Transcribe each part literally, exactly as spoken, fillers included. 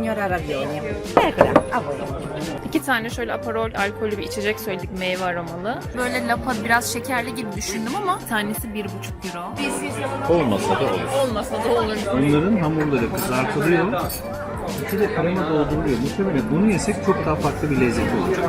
signora ravioli. Eccola, a voi. İki tane şöyle Aperol alkollü bir içecek söyledik, meyve aromalı. Böyle lapa biraz şekerli gibi düşündüm ama tanesi bir buçuk euro. Olmasa da olur. Olmasa da olur. Onların hamurları kızartılıyor. İçi de krema dolduruluyor. Muhtemelen bunu yesek çok daha farklı bir lezzet olacak.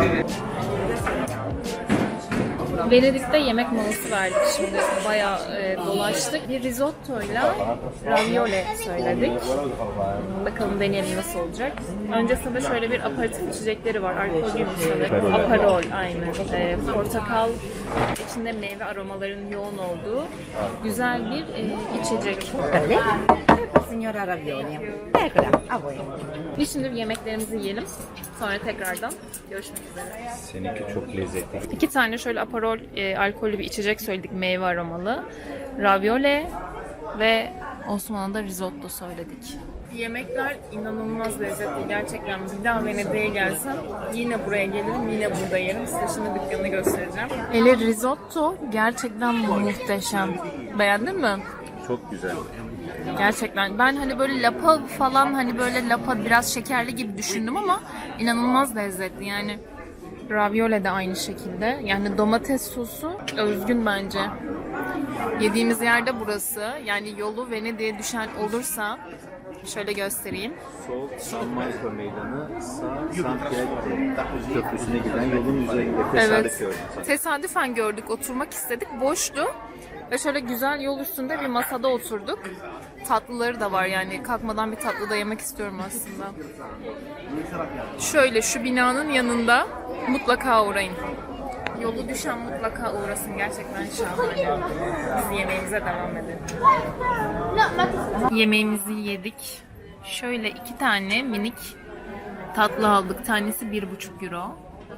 Venedik'te yemek molası verdik şimdi. Bayağı e, dolaştık. Bir risottoyla ravioli söyledik. Bakalım deneyelim nasıl olacak. Öncesinde şöyle bir aperatif içecekleri var. Alkollüymüş sanırım. Aperol, aynen. E, portakal, içinde meyve aromalarının yoğun olduğu güzel bir e, içecek. Ecco, signora ravioli. Eccola, a voi. Biz şimdi yemeklerimizi yiyelim. Sonra tekrardan görüşmek üzere. Seninki çok lezzetli. İki tane şöyle Aperol e, alkollü bir içecek söyledik, meyve aromalı. Ravioli ve Osmanlı'da risotto söyledik. Yemekler inanılmaz lezzetli gerçekten. Bir daha Venedik'e gelsem yine buraya gelirim, yine burada yerim. Size şimdi dükkanı göstereceğim. Ele risotto gerçekten muhteşem. Beğendin mi? Çok güzel. Gerçekten. Ben hani böyle lapa falan, hani böyle lapa biraz şekerli gibi düşündüm ama inanılmaz lezzetli. Yani ravioli de aynı şekilde. Yani domates sosu özgün bence. Yediğimiz yerde burası. Yani yolu Venedik'e düşen olursa şöyle göstereyim. Sol San Marco Meydanı, sağ San Pietro Köprüsü'ne giden yolun üzerinde tesadüf Evet. gördüm. Tesadüfen gördük, oturmak istedik. Boştu. Ve şöyle güzel yol üstünde bir masada oturduk. Tatlıları da var, yani kalkmadan bir tatlı da yemek istiyorum aslında. Şöyle şu binanın yanında mutlaka uğrayın. Yolu düşen mutlaka uğrasın, gerçekten şahane. Biz yemeğimize devam edelim. Yemeğimizi yedik. Şöyle iki tane minik tatlı aldık. Tanesi bir buçuk euro.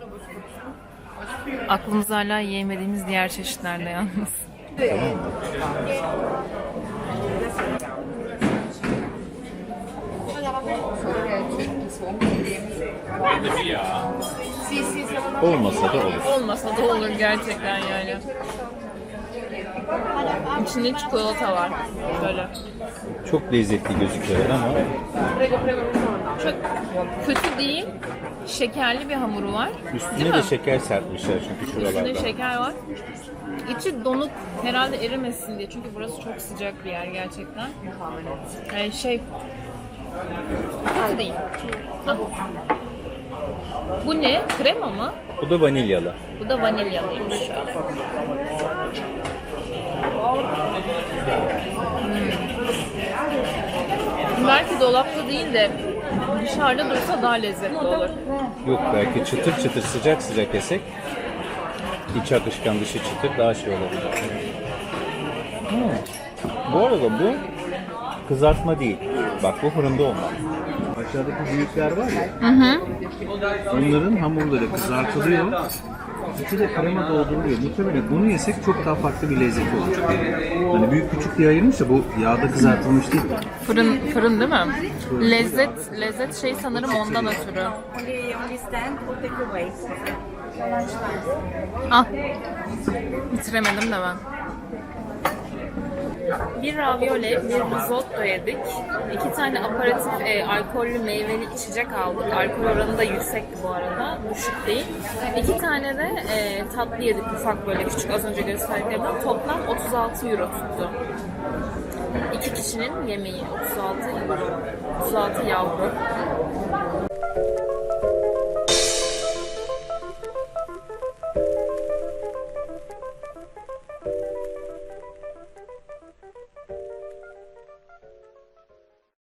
Aklımız hala yiyemediğimiz diğer çeşitlerde yalnız. Olmasa da olur. Olmasa da olur gerçekten yani. İçinde çikolata var. Böyle. Çok lezzetli gözüküyor ama Çok kötü değil. Şekerli bir hamuru var. üstüne Değil de mi? şeker serpmişler çünkü şuralarda. Üstünde şeker var. İçi donuk, herhalde erimesin diye. Çünkü burası çok sıcak bir yer gerçekten. Yani şey... Kötü değil. Ah. Bu ne? Krema mı? Bu da vanilyalı. Bu da vanilyalıymış. Hmm. Belki dolapta değil de dışarıda dursa daha lezzetli olur. Yok, belki çıtır çıtır sıcak sıcak yesek içi akışkan dışı çıtır daha şey olur. Hmm. Bu arada bu kızartma değil. Bak bu fırında olmaz. Aşağıdaki büyükler var ya. Hı hı. Onların hamurları kızartılıyor. İçi de krema dolduruluyor. Muhtemelen bunu yesek çok daha farklı bir lezzet olacak. Hani büyük küçük diye ayırmış da bu yağda kızartılmış değil. Fırın, fırın değil mi? Lezzet, lezzet şey sanırım ondan ötürü. Only, only stand or take away. Ah, bitiremedim de ben. Bir ravioli, bir risotto yedik. İki tane aperatif e, alkollü meyveli içecek aldık. Alkol oranı da yüksekti bu arada, düşük değil. İki tane de e, tatlı yedik, ufak böyle küçük, az önce gösterdiklerimden. Toplam otuz altı euro tuttu. İki kişinin yemeği otuz altı euro. otuz altı yavru.